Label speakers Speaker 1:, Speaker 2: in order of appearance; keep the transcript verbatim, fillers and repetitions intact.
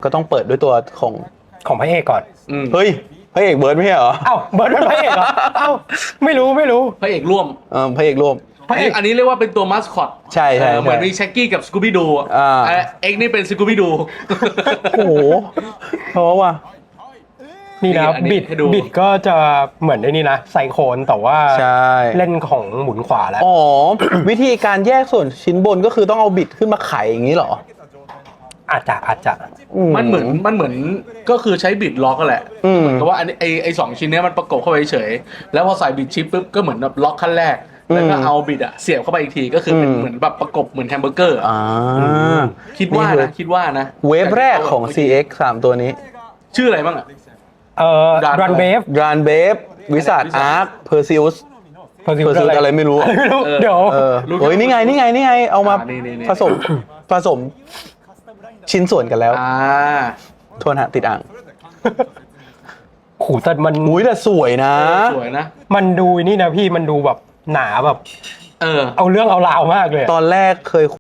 Speaker 1: ก็ต้องเปิดด้วยตัวของ
Speaker 2: ของพระเอกก่อน
Speaker 1: เฮ้ยพระเอกเบิร์ดไม่ใช่เหรอ
Speaker 2: เอ้าเบิร์ดเป็นพระเอกเหรอเอ้าไม่รู้ไม่รู้
Speaker 3: พระเอกร่วม
Speaker 1: เออพระเอกร่วม
Speaker 2: พระเอก
Speaker 3: อันนี้เรียกว่าเป็นตัวมัสคอต
Speaker 1: ใช่ใช่
Speaker 3: เหมือนมีแช็กกี้กับสกูบี้ดู
Speaker 1: อ่า
Speaker 3: เอ็กนี่เป็นสกูบี้ดู
Speaker 1: โอ้โหเพราะว่า
Speaker 2: นี่นะ
Speaker 3: อันนี้
Speaker 2: บิด
Speaker 3: ให้ดู
Speaker 2: บิดก็จะเหมือนไอ้นี่นะไซโคนแต่ว่า
Speaker 1: ใช่
Speaker 2: เล่นของหมุนขวาแล้ว
Speaker 1: อ๋อ วิธีการแยกส่วนชิ้นบนก็คือต้องเอาบิดขึ้นมาไขอย่างนี้เหรอ
Speaker 2: อาจจะอาจจะ
Speaker 3: มันเหมือนมันเหมือนก็คือใช้บิดล็อกก็แหละ
Speaker 1: อืม
Speaker 3: เหมือนกับว่าอันนี้ไอไอสองชิ้นเนี้ยมันประกบเข้าไปเฉยแล้วพอใส่บิดชิปปุ๊บก็เหมือนแบบล็อกขั้นแรกแล้วก็เอาบิดอะเสียบเข้าไปอีกทีก็คือเป็นเหมือนแบบประกบเหมือนแฮมเบอร์เกอร์อะ
Speaker 1: อ่า
Speaker 3: คิดว่า
Speaker 1: นี่คือ
Speaker 3: นะคิดว่านะ
Speaker 1: เวฟแรกของ ซี เอ็กซ์ สามตัวนี้
Speaker 3: ชื่ออะไรบ้างอะ
Speaker 2: เอ่อ
Speaker 3: Run
Speaker 2: รันเบฟ
Speaker 1: รานเบฟวิสัทอาร์คเพอร์ซิอุส
Speaker 2: เพอร์ซิ
Speaker 1: เพอร์ซิอุสอะไรไม่รู้
Speaker 2: ไม่รู้
Speaker 3: เออ
Speaker 2: เดี๋ยว
Speaker 1: เออเฮ้ยนี่ไงนี่ไงนี่ไงเอามา
Speaker 3: อ่านี่นี่นี่
Speaker 1: ผสมผสมชิ้นส่วนกันแล้ว
Speaker 3: อ่า
Speaker 1: โทษฮะติดอ่าง
Speaker 2: ขู่แต่มัน
Speaker 1: มุ้ยแต่สวยนะ
Speaker 3: สวยนะ
Speaker 2: มันดูนี่นะพี่มันดูแบบหนาแบบ
Speaker 3: เออ
Speaker 2: เอาเรื่องเอาราวมากเลยอะ
Speaker 1: ตอนแรกเคย